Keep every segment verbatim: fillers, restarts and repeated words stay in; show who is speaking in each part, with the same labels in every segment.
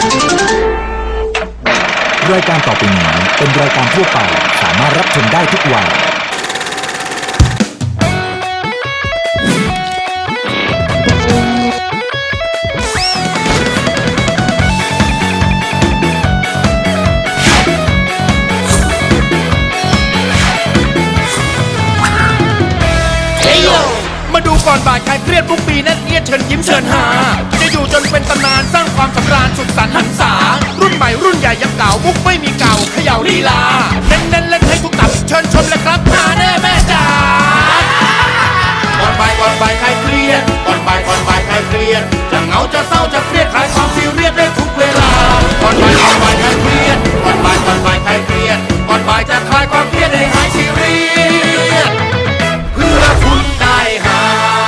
Speaker 1: รายการต่อไปนี้เป็นรายการทั่วไปสามารถรับชมได้ทุกวัย
Speaker 2: มาดูก่อนบ่ายใครเครียดทุกปีนั่นเอียดเชิญยิ้มเชิญหาจะอยู่จนเป็นตำนานสร้างความสำราญสุดสันต์หันษารุ่นใหม่รุ่นใหญ่ยังเก่ามุกไม่มีเก่าเขย่าลีลาเน้นเน้นเล่นให้ทุกตับเชิญชมเลยครับหาแน่แม่จ๋าก่อนบ่ายก่อนบ่ายใครเครียดก่อนบ่ายก่อนบ่ายใครเครียดจะเหงาจะเศร้าจะเครียดคลายความซีเรียสได้ทุกเวลาก่อนบ่ายก่อนบ่ายใครเครียดก่อนบ่ายก่อนบ่ายใครเครียดก่อนบ่ายจะคลายความเครียดให้หายซีเรียสเพื่อคุณได้หา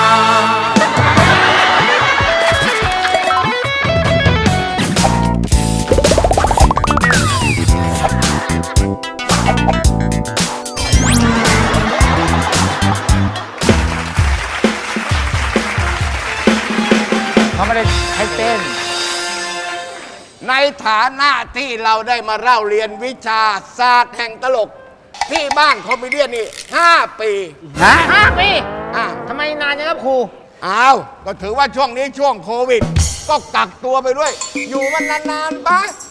Speaker 3: เขาไม่ได้ให้เต้นในฐานะที่เราได้มาเล่าเรียนวิชาศาสตร์แห่งตลกที่บ้านคอมเมเดี้นี่ห้าปีฮะ
Speaker 4: ห้าปี
Speaker 3: อ่ะ
Speaker 4: ทำไมนานจังครับครู
Speaker 3: อ้าวก็ถือว่าช่วงนี้ช่วงโควิดก็กักตัวไปด้วยอยู่มันนานๆไป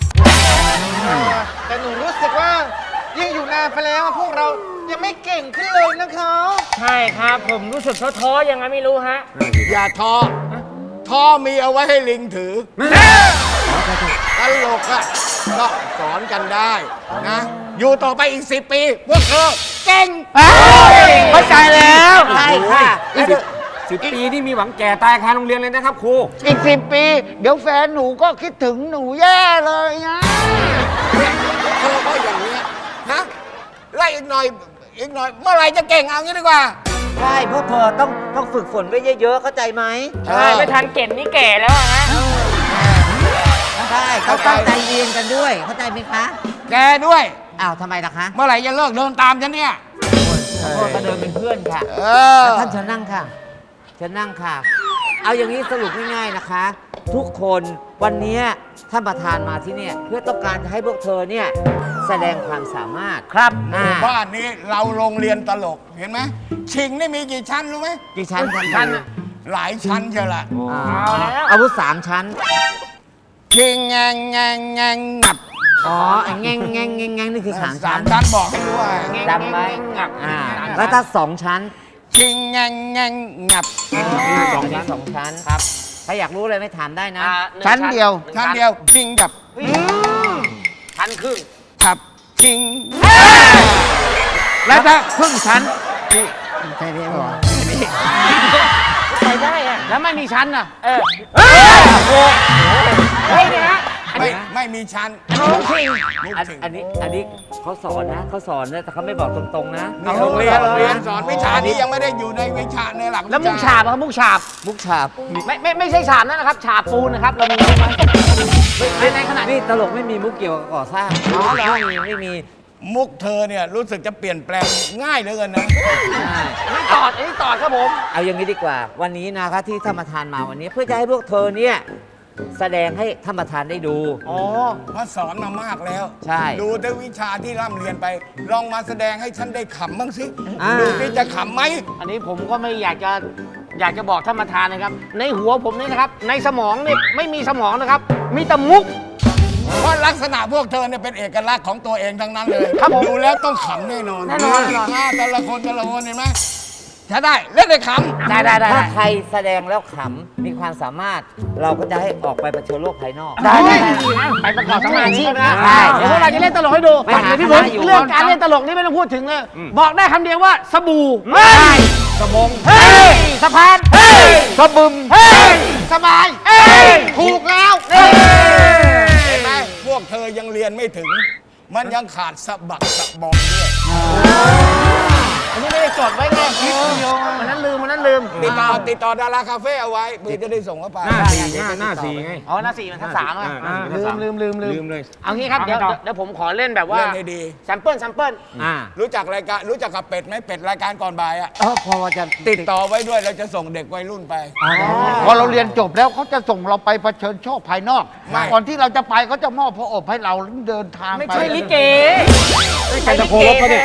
Speaker 4: แต่หนูรู้สึกว่ายิ่งอยู่นานไปแล้วพวกเรายังไม่เก่งขึ้นเลยนะคะใช่ครับผมรู้สึกท้อๆยังไงไม่รู้ฮะ
Speaker 3: อย่าท้อท้อมีเอาไว้ให้ลิงถือตลกอะก็สอนกันได้นะอยู่ต่อไปอีกสิบปีพวกเธอเก่ง
Speaker 4: เข้าใจแล้ว
Speaker 3: ใช่ค่ะ
Speaker 5: สิบปีนี่มีหวังแก่ตายคาโรงเรียนเลยนะครับครู
Speaker 4: อีกสิบปีเดี๋ยวแฟนหนูก็คิดถึงหนูแย่เลยนะ
Speaker 3: เธอก็อย่างนี้ฮะไล่อีกหน่อยอีกหน่อยเมื่อไหร่จะเก่งเอางี้ดีกว่า
Speaker 6: ใช่พวกเธอต้องต้องฝึกฝนไว้เยอะๆเข้าใจไหม
Speaker 4: ใช่ไม่ทันเก่งนี่แก่แล้วฮะ
Speaker 6: ใช่เขาตั้งใจเรียนกันด้วยเข้าใจไหมคะ
Speaker 3: แกด้วย
Speaker 6: อ้าวทำไมล่ะคะ
Speaker 3: เมื่อไหร่จะเลิกเดินตามฉันเนี่ย
Speaker 6: พวกก็เดินเป็นเพื่อนค่ะท่านเชิญนั่งค่ะเชิญนั่งค่ะเอาอย่างนี้สรุปง่ายๆนะคะ ทุกคนวันนี้ท่านประธานมาที่นี่เพื่อต้องการจะให้พวกเธอเนี่ยแสดงความสามารถ
Speaker 3: ครับหมู่บ้านนี้เราโรงเรียนตลกเห็นไหมชิงนี่มีกี่ชั้นรู้ไหม
Speaker 6: กี่ชั้นชั้น
Speaker 3: หลายชั้นเชียวล่ะ
Speaker 6: เอาแล้วอาวุธสามชั้น
Speaker 3: ชิงแงงแงงแงงงับ
Speaker 6: อ๋อแงงแงงแงงแงงนี่คือสามชั้น
Speaker 3: สามชั้นบอกให้รู้ว่า
Speaker 6: จำไว้อ่าแล้วถ้าสองชั้น
Speaker 3: ชิงแงงแงงงับ
Speaker 6: สองชั้นสองชั้นครับถ้าอยากรู้เลยไม่ถามได้นะ
Speaker 3: ชั้นเดียวชั้นเดียวชิงกับ
Speaker 4: ชั้นครึ่ง
Speaker 3: ครับชิง
Speaker 6: แล้วถ้าครึ่งชั้น
Speaker 3: ใช่พี่บอก
Speaker 4: ไปได้อะแล้วไม่มีชั้นอ่ะเออเฮ้ยเนี่ยฮะ
Speaker 3: ไม่ไม่มีชั้น
Speaker 6: อันนี้อันนี้เขาสอนนะเขาสอนนะแต่เขาไม่บอกตรงๆนะ
Speaker 3: โรงเรียนโรงเรียนสอนวิชานี้ยังไม่ได้อยู่ในวิชาในหลัก
Speaker 4: แล้วมุกฉาบครับมุกฉาบ
Speaker 6: มุกฉาบ
Speaker 4: ไม่ไม่ไม่ใช่ฉาบนั่นนะครับฉาบปูนนะครับเรามีไหมในขณะ
Speaker 6: นี้ตลกไม่มีมุกเกี่ยวกับก่อสร้างอ๋อไม่มีไม่มี
Speaker 3: มุกเธอเนี่ยรู้สึกจะเปลี่ยนแปลงง่ายเหลือเกินนะ
Speaker 4: ไม่ตอดไอ้ตอดครับผม
Speaker 6: เอาอย่างนี้ดีกว่าวันนี้นะคะที่ท่านประธานมาวันนี้เพื่อจะให้พวกเธอเนี่ยแสดงให้ท่านประธานได้ดู
Speaker 3: อ๋อเพราะสอนมามากแล้ว
Speaker 6: ใช่
Speaker 3: ดูแต่วิชาที่ร่ำเรียนไปลองมาแสดงให้ฉันได้ขำบ้างสิดูที่จะขำไหม
Speaker 4: อันนี้ผมก็ไม่อยากจะอยากจะบอกท่านประธานนะครับในหัวผมนี่นะครับในสมองนี่ไม่มีสมองนะครับมีแต่มุก
Speaker 3: เพราะลักษณะพวกเธอเนี่ยเป็นเอกลักษณ์ของตัวเองทั้งนั้นเลยดูแล้วต้องขำแน่นอน
Speaker 4: แน่นอนแน่นอน
Speaker 3: แต่ละคนแต่ละคนเห็นไหมถ้าได้เล่นได้ขำ
Speaker 4: ได้ได้ได้
Speaker 6: ถ้าใครแสดงแล้วขำมีความสามารถเราก็จะให้ออกไปเผชิญโลกภายนอก
Speaker 4: ได้ได้ไปประกอบสมาชีพนะเดี๋ยวพวกเราจะเล่นตลกให้ดูพี่บุ๊คเรื่องการเล่นตลกนี่ไม่ต้องพูดถึงเลยบอกได้คำเดียวว่าสบู่เฮ้ย
Speaker 6: สมง
Speaker 4: เฮ้ยสะพานเฮ้ย
Speaker 6: สะบึม
Speaker 4: เฮ้ยสบายเฮ้ยถูกแล้ว
Speaker 3: เห็นไหมพวกเธอยังเรียนไม่ถึงมันยังขาดสะบักสะบอมด้วย
Speaker 4: อันนี้ไม่ได้จดไว้ไงวันนั้นลืมวันนั้นลืม
Speaker 3: ติดต่อติดต่อดาราคาเฟ่เอาไว้เพื่อจะได้ส่งเข้าไป
Speaker 5: หน้าสี่หน้าหน้าสี่ไง
Speaker 4: อ๋อหน้าสี่มันทั้งสามอ่ะ
Speaker 5: อ่า
Speaker 4: ลืมลืมลืมลื
Speaker 5: ลืมเลย
Speaker 4: เอางี้ครับเดี๋ยวเดี๋ยวผมขอเล่นแบบว่า
Speaker 3: เล่นให้ดี
Speaker 4: แซมเปิลแซมเปิล
Speaker 6: อ่า
Speaker 3: รู้จักรายการรู้จักกับเป็ดไหมเป็ดรายการก่อนบ่ายอ่ะ
Speaker 6: เออพอจะ
Speaker 3: ติดต่อไว้ด้วยเราจะส่งเด็กวัยรุ่นไป
Speaker 7: พอเราเรียนจบแล้วเขาจะส่งเราไปเผชิญโชคภายนอก
Speaker 3: ไม่
Speaker 7: ก่อนที่เราจะไปเขาจะมอบพระอบให้เราเดินทาง
Speaker 4: ไม่
Speaker 7: ไป
Speaker 4: ใช่ลิเก
Speaker 5: ไม่ใช่ตะโพลบเขาดิ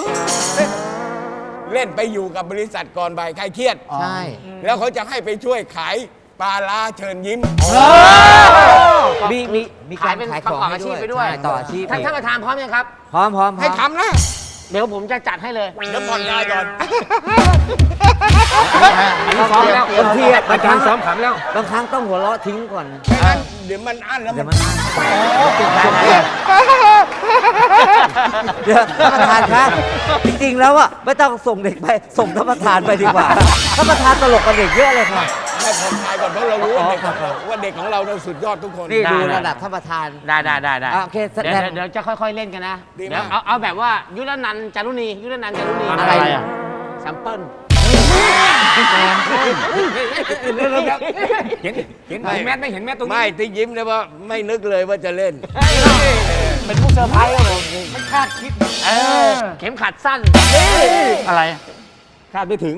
Speaker 3: เล่นไปอยู่กับบริษัทก่อนบ่ายใครเครียด
Speaker 6: ใช่
Speaker 3: แล้วเขาจะให้ไปช่วยขายปลาลาเชิญยิ้ม
Speaker 6: มีมีมีการ
Speaker 4: ขายเป็น
Speaker 6: ขาย
Speaker 4: ประ
Speaker 6: ของ
Speaker 4: กอบ
Speaker 6: ให้
Speaker 4: อาชี
Speaker 6: ด้
Speaker 4: พ
Speaker 6: วย
Speaker 4: ไปด้วย
Speaker 6: ใช่ต่ออาชีพ
Speaker 4: ท่านท่านประธานพร้อมยังครับ
Speaker 6: พร้อมพร้อมพร้อม
Speaker 3: ให้ทำนะ
Speaker 4: เดี๋ยวผมจะจัดให้เลย
Speaker 3: เดี๋ยวผ่อนคลายก่อน
Speaker 5: อันนี้ซ้อมแล้ว
Speaker 6: บางทีอะ
Speaker 5: อาจารย์ซ้อมขำแล้ว
Speaker 6: บางครั้งต้องหัวเราะทิ้งก่อน
Speaker 3: ไม่งั้นเดี๋ยวมันอั้นแล้ว
Speaker 6: เดี๋ยว
Speaker 3: มั
Speaker 6: มัน นเดี๋ยวท่านประธานคะจริงๆแล้วอ่ะไม่ต้องส่งเด็กไปส่งท่านประธานไปดีกว่าท่านประธานตลกกับเด็กเยอะเลยค่ะ
Speaker 3: ให้ผ่อนคลายก่อนเพราะเรารู้ว่าเด็กของเราว่าเด็กของเราเนี่ยสุดยอดทุกคน
Speaker 6: นี่ดู
Speaker 4: ได้
Speaker 6: ระดับท่านประธาน
Speaker 4: ได้ได้ได้ได้
Speaker 6: อ่ะโอเคแสด
Speaker 4: เดี๋ยว
Speaker 6: ง
Speaker 4: เดี๋ยวเดี๋ยวจะค่อยๆเล่นกันนะ
Speaker 3: ดี
Speaker 4: เดี๋ยว
Speaker 3: มาก
Speaker 4: เอาเอาแบบว่ายุรนันท์จารุณียุรนันท์จารุณี
Speaker 5: อะไรอ่ะ
Speaker 4: แซมเปิล
Speaker 5: เห็นเห็นเห็นแมสไม่เห็นแมสตรงนี้
Speaker 3: ไม่ที่ยิ้มเนี่ยว่าไม่นึกเลยว่าจะเล่น
Speaker 4: เป็นผู้เซอร์ไพรส์ครับผมไม่คาดคิดเออเข็มขัดสั้น
Speaker 7: อะไร
Speaker 5: คาดไม่ถึง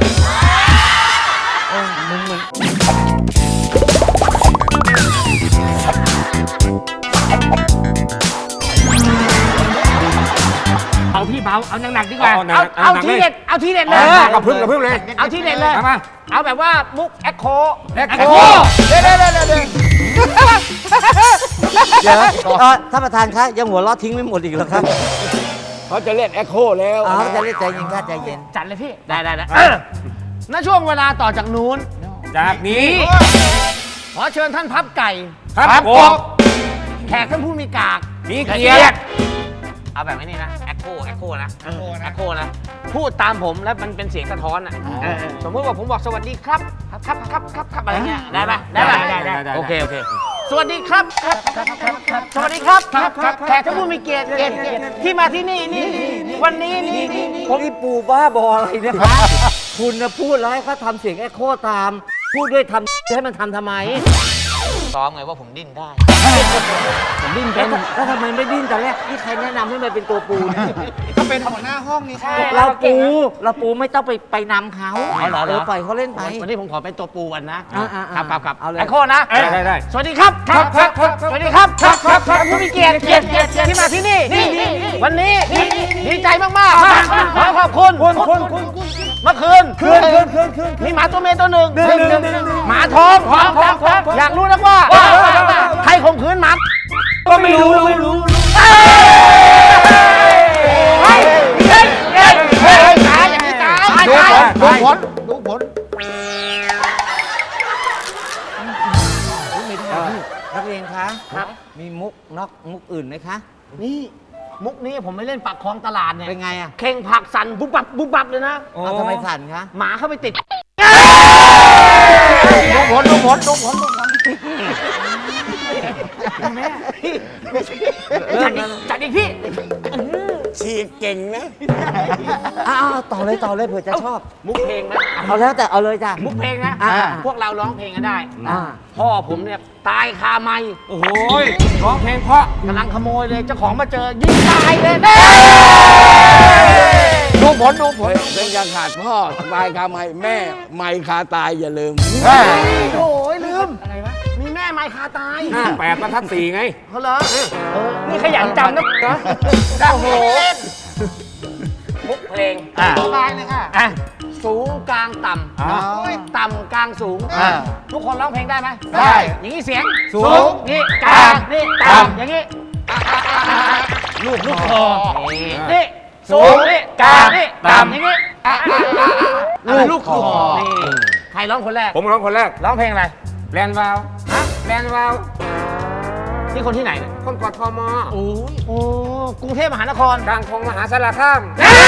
Speaker 4: เอาพี่เบาเอาหนักๆดีกว่า
Speaker 5: เอาหนักๆ
Speaker 4: เอา
Speaker 5: หนักๆ
Speaker 4: ที
Speaker 5: เลย
Speaker 4: เด็ดเอาทีเด็ดเล
Speaker 5: เอย อกับพึ่งกับพึ่งเลย
Speaker 4: เอาทีเด็ดเลย
Speaker 5: มามา
Speaker 4: เอาแบบว่ามุกแอคโค
Speaker 5: แอคโค
Speaker 3: เดี๋ยวเดี๋ยวเดี๋ยวเดี๋ยว
Speaker 6: เดี๋ยวเออท่านประธานคะยังหัวเราะทิ้งไม่หมดอีกเหรอครับ
Speaker 3: เขาจะเล่นแอคโคแล้ว
Speaker 6: อ๋อจะเล่นใจเย็นค่ะใจเย็น
Speaker 4: จัดเลยพี่ ได้ได้ได้ณช่วงเวลาต่อจากนู้น
Speaker 5: จากนี้
Speaker 4: ขอเชิญท่านพับไก่
Speaker 5: ครับผม
Speaker 4: แขกท่านผู้มีกาก
Speaker 5: มีเกียรติ
Speaker 4: เอาแบบนี้นะแอคโคแอคโคนะแอคโคนะพูดตามผมแล้วมันเป็นเสียงสะท้อนอ่ะเออสมมติว่าผมบอกสวัสดีครับครับครับครับครับอะไรเงี้ยได้ไหมได้ไหม
Speaker 5: ได้ได้ได้
Speaker 4: โอเคโอเคสวัสดีครับครับครับครับครับสวัสดีครับครับครับแขกท่านผู้มีเกียรติเกียรติเกียรติที่มาที่นี่นี่วันนี้นี่นี่
Speaker 6: ผมนี่ปู่บ้าบออะไรเนะคะคุณนะพูดแล้วให้เขาทำเสียงแอคโคตาม พูดด้วยทำให้มันทำทำไม
Speaker 4: ซ้อมไงว่าผมดิ้นได้
Speaker 6: ผมดิ้นเป็นแล้วทำไมไม่ดิ้นแต่แรกนี่ใครแนะนำให้มันเป็นตัวปูเนี่ย
Speaker 7: ก็เป็นหัวหน้าห้องนี่ค่ะ
Speaker 6: เราปูเราปูไม่ต้องไปไปนำเขา
Speaker 4: เอาเหรอ
Speaker 6: เออปล่อยเขาเล่นไป
Speaker 4: วันนี้ผมขอเป็นตัวปูวันนะ
Speaker 6: อ่าอ่า
Speaker 4: ครับครับครับ
Speaker 6: เอาเลย
Speaker 4: แอคโคนะ
Speaker 5: ได้ได้ได้
Speaker 4: สวัสดีครับครับครับครับสวัสดีครับครับครับครับผู้มีเกียรติเกียรติเกียรติที่มาที่นี่นี่วันนี้ดีใจมากมากขอขอบคุณคุณคุณคุณเมื่อคืนคืนคืนคืนคืนมีหมาตัวเมียตัวหนึ่งหมาท้องท้องท้องท้องอยากรู้นักว่าใครข่มขืนหมาก็ไม่รู้ไม่รู้เฮ้ยเฮ้ยเฮ้ยเฮ้ยตายอย่างนี้ตาย
Speaker 7: ดู
Speaker 4: ตาย
Speaker 7: ผลดูผลดูผล
Speaker 6: นักเรียนคะ
Speaker 4: ครับ
Speaker 6: มีมุกนอกมุกอื่นไหมคะ
Speaker 4: นี่มุกนี้ผมไม่เล่นปากคลองตลาดเนี่ย
Speaker 6: เป็นไงอ่ะ
Speaker 4: เข่งผักสั่นบุบบับบุบบับเลยนะ
Speaker 6: เอาทำไมสั่นคะ
Speaker 4: หมาเข้าไปติด
Speaker 7: ดูผลดูผลดูผลดูผล
Speaker 4: แม่จัดอีกจัดอีกพี่
Speaker 3: ฉีกเก่งนะ
Speaker 6: อ้าวต่อเลยต่อเลยเผื่อจะชอบ
Speaker 4: มุกเพลงนะ
Speaker 6: เอาแล้วแต่เอาเลยจ้ะ
Speaker 4: มุกเพลงนะ
Speaker 6: อ่า
Speaker 4: พวกเราร้องเพลงกันได้
Speaker 6: อ่า
Speaker 4: พ่อผมเนี่ยตายคาไม้
Speaker 5: โอ้โหร้องเพลงเพราะ
Speaker 4: กำลังขโมยเลยเจ้าของมาเจอยิงตายเลย
Speaker 7: ดูผลดูผล
Speaker 3: เป็นยังขาดพ่อตายคาไม่แม่ไม่คาตายอย่าลืม
Speaker 4: โอ้ยลืมอะไรวะมีแม่ไม้คาตาย
Speaker 5: หน้าแปดบรรทัดสี่ไง
Speaker 4: เขาเหรอเออนี่ขยันจำนะโอ้โหมุกเพลง
Speaker 7: อ่า
Speaker 4: สบายเลยค่ะอ่ะสูงกลางต่ำ
Speaker 5: อ่า
Speaker 4: ต่ำกลางสูง
Speaker 7: อ่า
Speaker 4: ทุกคนร้องเพลงได้ไหม
Speaker 7: ได้
Speaker 4: อย่างนี้เสียง
Speaker 5: สูง
Speaker 4: นี่กลางนี่ต่ำอย่างนี้ลูกลูกคอนี่สูงนี่กลางนี่ต่ำอย่างนี้ลูกคอนี่ใครร้องคนแรก
Speaker 5: ผมร้องคนแรก
Speaker 4: ร้องเพลงอะไร
Speaker 5: แลนด์วาวฮะแลนด์วาว
Speaker 4: นี่คนที่ไหนเนี่ย
Speaker 5: คนกอดทม
Speaker 4: โอ้ยโอ้กรุงเทพมหานคร
Speaker 5: กลางคงมหาสารคาม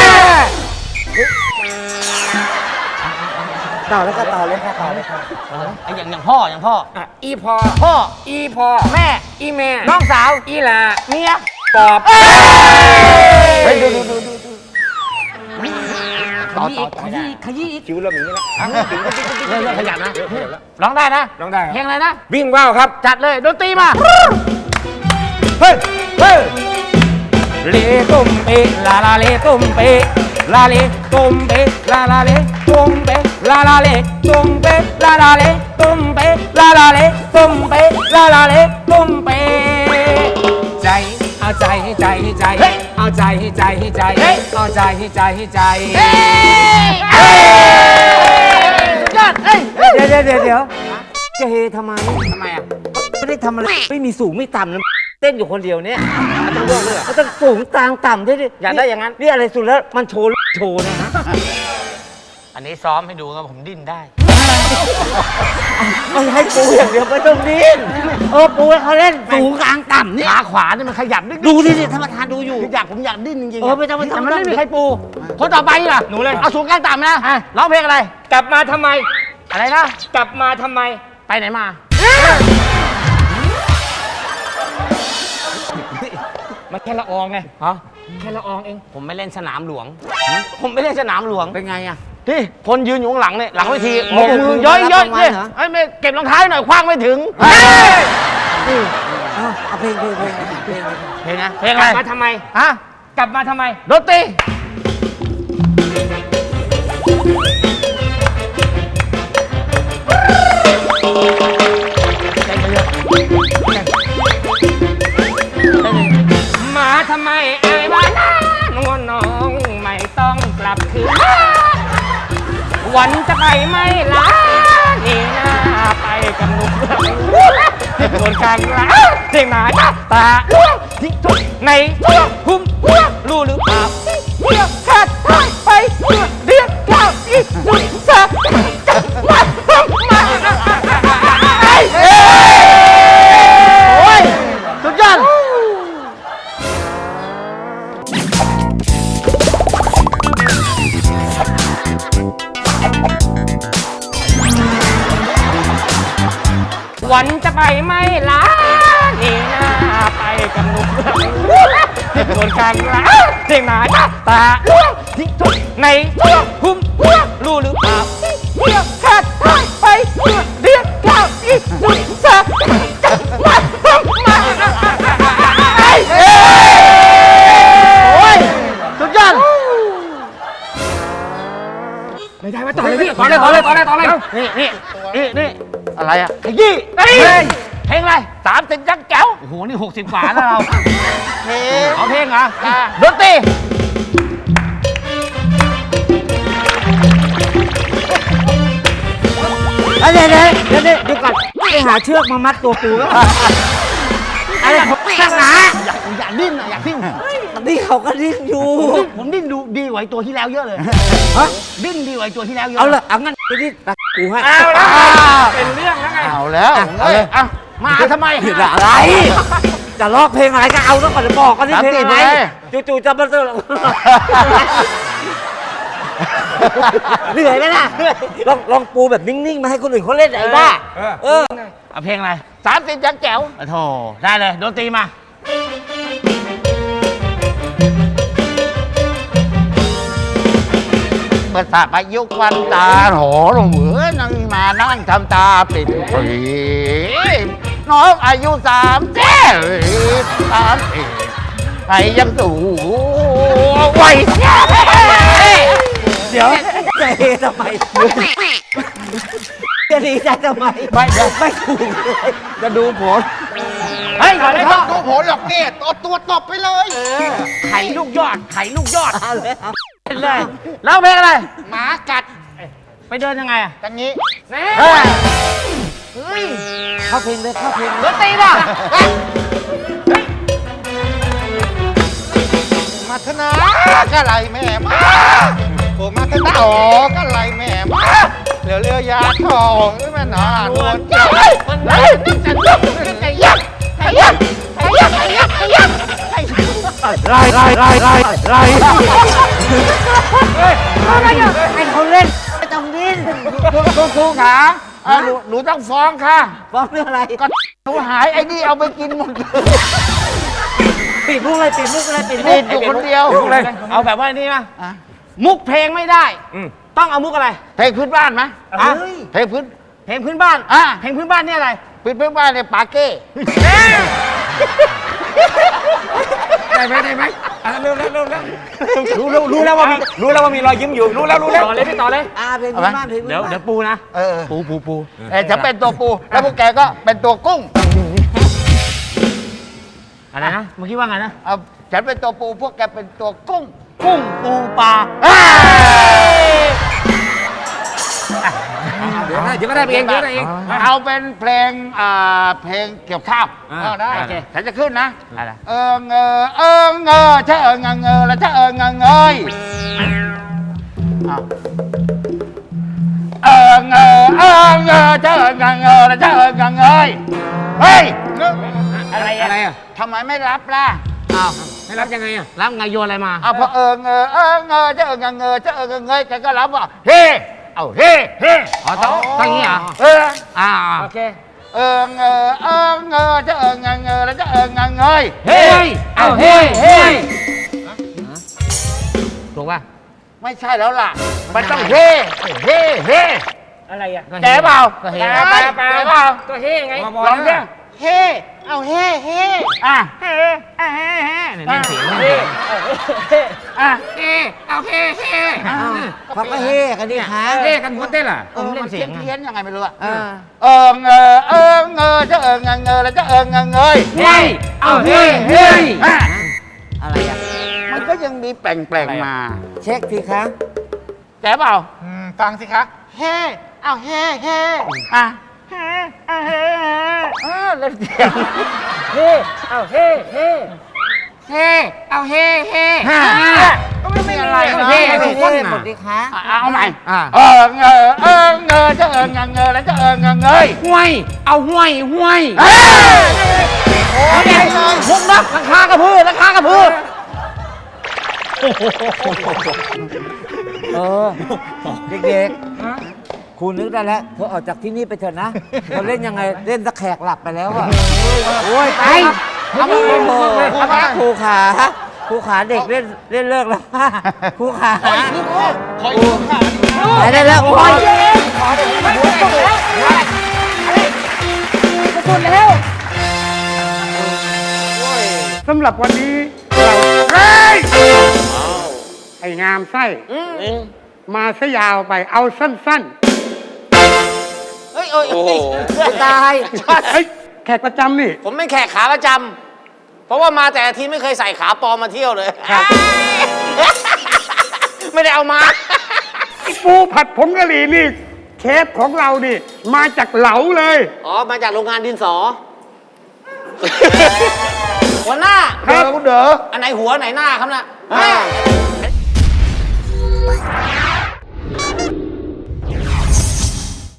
Speaker 6: ต่อแล้วก็ต่อเลยค่ะต่อเลยค่ะ
Speaker 4: ไอ้อย่างอย่างพ่ออย่างพ่อ
Speaker 5: อ่ะอีพอ
Speaker 4: พ่อ
Speaker 5: อีพอ
Speaker 4: แม่
Speaker 5: อีแม่
Speaker 4: น้องสาว
Speaker 5: อีหลา
Speaker 4: เมีย
Speaker 5: ปอบ
Speaker 7: เฮ้ยดูดูดูดูต่อต่อ
Speaker 6: ขยี้ขยี้อีก
Speaker 5: คิ้วเริ่มอย่างนี้แล้ว
Speaker 4: เริ่มเริ่มขยันนะร้องได้นะ
Speaker 5: ร้องได้ครับ
Speaker 4: เพลงอะไรนะ
Speaker 5: วิ่งว่าวครับ
Speaker 4: จัดเลยดนตรีมา
Speaker 5: เฮ้ย เฮ้ย เลตุ้มเปลาลาเลตุ้มเปลาเลตุ้มเปลาลาเลตุ้มเปลาลาเลตุ้มเปลาลาเลตุ้มเปลาลาเลตุ้มเปลาลาเลตุ้มเปใจเอาใจให้ใจให้ใจเอาใจให้ใจให้ใจเอาใจให้ใจให้ใจ
Speaker 4: ยอดเอ้ย
Speaker 6: เดี๋ยวเดี๋ยวเดี๋ยวเดี๋ยวจะเฮทำไม
Speaker 4: ทำไมอ่ะ
Speaker 6: ไม่ได้ทำอะไรไม่มีสูงไม่ต่ำนะเต้นอยู่คนเดียวเนี่ยต้องโยกเลยต้องสูงกลางต่ำด้วยดิ
Speaker 4: อยากได้อย่างนั้น
Speaker 6: นี่อะไรสุดแล้วมันโชว์โชว์นะฮะ
Speaker 4: อันนี้ซ้อมให้ดูครับผมดิ้นได้
Speaker 6: ไม่ให้ปูอย่างเดียวไม่ต้องดิ้นเออปูให้เขาเล่นสูงกลางต่ำนี่
Speaker 4: ขาขวานี่มันขยับนิด
Speaker 6: ดูดิสิท่านประธานดูอยู่
Speaker 4: อยากผมอยากดิ้นจริงๆ
Speaker 6: เออไม่ต้องไม่ต้อง
Speaker 4: แต่มันไม่มีใครปู คนต่อไปล่ะ
Speaker 5: หนูเลย
Speaker 4: เอาสูงกลางต่ำนะร้องเพลงอะไร
Speaker 5: กลับมาทำไม
Speaker 4: อะไรนะ
Speaker 5: กลับมาทำไม
Speaker 4: ไปไหนมา
Speaker 5: มันแค่ละอองไง
Speaker 4: ฮะ
Speaker 5: แค่ละอองเอง
Speaker 4: ผมไม่เล่นสนามหลวง ผมไม่เล่นสนามหลวง
Speaker 6: เป็นไงอ่ะ
Speaker 4: ที่คนยืนอยู่ข้างหลังเนี่ยหลังเวที
Speaker 6: โอ้
Speaker 4: โอ้
Speaker 6: โห
Speaker 4: โหย้อยย้อย
Speaker 6: รับรางวัล
Speaker 4: เนี่ย
Speaker 6: เหรอ
Speaker 4: ไอ้ยไม่เก็บรองเท้าให้หน่อยคว้างไม่ถึง
Speaker 6: เอาเอาเพลงเพลงเพลงเพลง
Speaker 4: เพลงนะเพลง
Speaker 5: ก
Speaker 4: อะไร
Speaker 5: ลับมาทำไม
Speaker 4: ฮะ
Speaker 5: กลับมาทำไม
Speaker 4: ดนตรีเต้นไปเยอะ
Speaker 5: มาทำไมไอ้บ้านนวลน้องไม่ต้องกลับคืนมาวันจะไปไม่ลานี่นาไปกับหนุ่มที่โดนกลางร้านเสียงหนาตาล่วงที่ทุกในช่วงหุ้มหัวรู้หรือเปล่าเที่ยวขาดหายไปเพื่อเรียกข้าวอีกสุดสักมาทำมา
Speaker 4: โอ้ยสุดยอด
Speaker 5: วันจะไปไม่ลานี่นาไปกับหนุ่มที่โดนกลางร้านเสียงหนาตาล่วงที่ทุกในช่วงหุ้มหัวรู้หรือเปล่าเที่ยวขาดหายไปเพื่อเรียกข้าวอีกสุดสักมาทำมา
Speaker 4: โอ้ยสุดยอด
Speaker 5: ไม่ได้มาต่อเลยพี่ต่อเลยต่อเลยต่อเลยต่อเลย
Speaker 4: นี่นี่นี่นี่
Speaker 7: อะไรอ่ะ
Speaker 4: ขยี้เฮ้ยเพลงอะไรสามสิบยักษ์แจ๋วโอ้โห นี่หกสิบกว่าแล้วเรา
Speaker 7: เพลง
Speaker 4: เอาเพลงเหรอดนตรี
Speaker 6: เดี๋ยวเดี๋ยวเดี๋ยวเดี๋ยวเดี๋ยวก่อนไปหาเชือกมามัดตัวปูแล้วอะไรของข้างหนา
Speaker 4: อยากอยากดิ้นอ่ะอยากดิ้น
Speaker 6: นี่เขาก็ดิ้นอยู่
Speaker 4: ผมดิ้นดูดีกว่าไอ้ตัวที่แล้วเยอะเลยฮะดิ้นดีกว่าไอ้ตัวที่แล้วเยอะ
Speaker 6: เอาละเอางั้นไปดิ้นกูให้
Speaker 5: เอาละเป็นเรื่องแล้วไง
Speaker 7: เอาแล้ว
Speaker 4: เอาเลยอ่ะมาทำไม
Speaker 6: ผิดอะไร จะร้องเพลงอะไรก็เอาแล้วก่อนจะบอกกันนี่เพลงอะไร
Speaker 7: สามสิบเลย
Speaker 6: จู่ๆจะมาเจอเหนื่อยไหมล่ะลองลองปูแบบนิ่งๆมาให้คนอื่นเขาเล่นไอ้บ้าเออ
Speaker 4: เอาเพลงอะไรสามสิบยักษ์แจ๋วโอ้โธ่ได้เลยดนตรีมา
Speaker 7: เมื่อสาประยุกต์วันตาโหหลงเหมือนั่งมานั่งทำตาปิดปรีน้องอายุสามเจ็ดสามเอ็ดไอ้ยังสูงวัย
Speaker 6: เดี๋ยวจะเฮทำไมจะดีใจทำไม
Speaker 7: ไม่เดี๋ยว
Speaker 6: ไม่ถูกเลย
Speaker 7: จะดูผล
Speaker 4: เฮ้ยก่อนเลยครับ
Speaker 7: ดูผลหรอกเนี่ยตัวตัวตบไปเลย
Speaker 4: ไข่ลูกยอดไข่ลูกยอด
Speaker 6: เอาเลยเอา
Speaker 4: เล่นเลยแล้วเพลงอะไร
Speaker 7: หมากัด
Speaker 4: ไปเดินยังไงอ่ะ
Speaker 7: อย่างนี้
Speaker 4: เฮ้ย
Speaker 6: เข้าเพลงเลยเข้าเพลง
Speaker 4: ด
Speaker 6: เลย
Speaker 4: นตรีป่ะ
Speaker 7: มาธนากะไรแม่มาโอ้มาธนาอ๋อก็ไรแม่มาเหลือเรือยาทองแม่นานวลเจ้า
Speaker 4: มันไหนนี่จะลุกนี่จะยักไอ้ยักไอ้ยักไอ้ยักไอ้ยักไอ้ยัก
Speaker 6: ไล่ไล่ไล่ไล่ไล่อะไรอ่ะให้เขาเล่นไม่ต้องดิ้น
Speaker 7: ครูครูขาเอ่อหนูหนูต้องฟ้องค่ะ
Speaker 6: ฟ้องเรื่องอะไร
Speaker 7: ก็หนูหายไอ้นี่เอาไปกินหมดเลย
Speaker 6: ปิดมุกเลยปิดมุกเลยปิดมุ
Speaker 7: ติ
Speaker 6: ก
Speaker 7: ดอยู่คนเดียว
Speaker 4: เลยเอาแบบว่านี่นะมุกเพลงไม่ได้ ต้องเอามุกอะไร
Speaker 7: เพลงพื้นบ้านไหม
Speaker 4: อ่ะ
Speaker 7: เพลงพื้น
Speaker 4: เพลงพื้นบ้าน
Speaker 7: อ่ะ
Speaker 4: เพลงพื้นบ้านนี่อะไร
Speaker 7: พื้นพื้นบ้านเนี่ยปาเก้
Speaker 5: ได้ไหมได้ไหมอ่ะเร็วเร็วเร็วเร็วรู้รู้รู้แล้วว่ามีรู้แล้วว่ามีรอยยิ้มอยู่รู้แล้วรู้แล้วต่อเลยพี่ต่อเลย
Speaker 6: อ่าเพลงพื้นบ้านเพลงพื้น
Speaker 5: เดี๋ยว
Speaker 6: บ้าน
Speaker 5: เดี๋ยวปูนะ
Speaker 7: เออ
Speaker 5: ปูปูปู
Speaker 7: เออจะเป็นตัวปู แล้วพวกแกก็เป็นตัวกุ้ง
Speaker 4: อะไรนะเมื่อกี้ว่าไงนะ
Speaker 7: เอาฉันเป็นตัวปู พวกแกเป็นตัวกุ้ง
Speaker 4: กุ้งปูปลา
Speaker 5: เดี๋ยวได้เดี๋ยวก็ได้เองเดี๋ยวได้เอง
Speaker 7: เอาเป็นเพลงอ่าเพลงเกี่ยวข้าว
Speaker 5: อ่า
Speaker 7: เอาได้
Speaker 5: โอเค
Speaker 7: ฉันจะขึ้นนะ
Speaker 4: อะไร
Speaker 7: เออเงอเออเงอชะเออเงอเงอแล้วชะเออเงอเงยอ้าวเออเงอเออเงอชะเออเงอเงอแล้วชะเออเงอเงยเฮ้ย
Speaker 4: อะไร
Speaker 5: อะไรอ่ะ
Speaker 7: ทำไมไม่รับล่ะ
Speaker 4: อ้าว
Speaker 5: ให้รับยังไงอ่ะ
Speaker 4: แล้วไงโยนอะไรมา
Speaker 7: เอาพอเออเงอเออเงอชะเออเงอเงอชะเออเงอเงยแกก็รับว่าเฮ้เอาเฮ้เฮ้
Speaker 4: อ๋อต้องต้องอย่างนี้เหรอ
Speaker 7: เออ
Speaker 4: อ่า
Speaker 5: โอเค
Speaker 7: เออเงอเออเงอชะเออเงอเงอแล้วชะเออเงอเงย
Speaker 4: เฮ้ยเอาเฮ้เฮ้ถูกป่ะ
Speaker 7: ไม่ใช่แล้วล่ะ มันต้องเฮ้ เฮ้ เฮ้
Speaker 5: อะไรอ่ะ
Speaker 7: แกเปล่า
Speaker 4: ก็เฮ้
Speaker 7: แกเปล่าแกเปล่า
Speaker 5: ก็เฮ้ไง
Speaker 7: ลองดิเฮ้
Speaker 6: เอาเฮ้เฮ้
Speaker 7: อ่ะ
Speaker 4: เฮ้เฮ้เฮ้เนี่ยเล่นเสียงเล่น
Speaker 5: เฮ้
Speaker 4: เสียง
Speaker 7: อ่ะ
Speaker 5: เฮ้เอาเฮ้เฮ้
Speaker 6: อ้าวเขาก็เฮ้กันดิคะ
Speaker 5: เฮ้กันหัวเต้นล่ะ
Speaker 4: เออเล่นเสี
Speaker 7: เพี้
Speaker 4: ย
Speaker 7: ย
Speaker 4: ง
Speaker 7: น
Speaker 4: ไง
Speaker 7: เพี้ยนยังไงไม่รู้อะ
Speaker 6: เออ
Speaker 7: เออเงอเออเงอจะเออเงอเงอแล้วจะเออเงอเงย
Speaker 4: เฮ้ยเอาเฮ้เฮ้
Speaker 7: อ่ะ
Speaker 6: อะไรอ่ะ
Speaker 7: มันก็ยังมีแปลงแปลงๆมา
Speaker 6: เช็คทีคะ
Speaker 7: แกเปล่า
Speaker 3: ฟังสิคะ
Speaker 7: เฮ้เอาเฮ้เฮ้อ่ะเฮ้อ่ะเฮ้เออเล่นเสียง
Speaker 5: เฮ้เอาเฮ้เฮ้
Speaker 7: เฮ้เอาเฮ้เฮ้
Speaker 5: ก็ไม่มีอะไร
Speaker 7: เฮ้
Speaker 5: เฮ้
Speaker 6: เฮ้
Speaker 5: เฮ้
Speaker 6: เฮ้หมดดิคะ
Speaker 7: อ่ะเอาใหม่
Speaker 4: อ่า
Speaker 7: เออเงอเออเงอจะเออเงอเงอแล้วจะเออเงอเงย
Speaker 4: ห้วยเอาห้วยห้วย
Speaker 7: เฮ้ย
Speaker 4: เอาเด็กมุกนักราคากระพือราคากระพือ
Speaker 6: เออ เด็กๆ คุณนึกได้แล้วเธอออกจากที่นี่ไปเถอะนะเธอเล่นยังไงเล่นตะแขกหลับไปแล้วอะโอ้ยไปเอามาโอ้โหเอามาครูขาครูขาเด็กเล่นเล่นเลิกแล้วครูขาขออีกขออีกขาไปได้แล้วโอ้ย
Speaker 8: สำหรับวันนี้เราเฮ้ยไอ้งามไส้มาซะยาวไปเอาสั้น
Speaker 4: เฮ้ยโอ้ยตาย
Speaker 8: ๆเฮ้ยแขกประจำนี่
Speaker 4: ผมเป็นแขกขาประจำเพราะว่ามาแต่ละทีไม่เคยใส่ขาปลอมมาเที่ยวเลย ไม่ได้เอามา
Speaker 8: ไอ้ปูผัดผงกะหรี่นี่เชฟของเรานี่ มาจากเหลาเลย
Speaker 4: อ๋อ มาจากโรงงานดินสอ หัวหน้า
Speaker 7: เด้อคุณเด้อ
Speaker 4: อันไหนหัวไหนหน้าครับน่ะ
Speaker 7: อ่า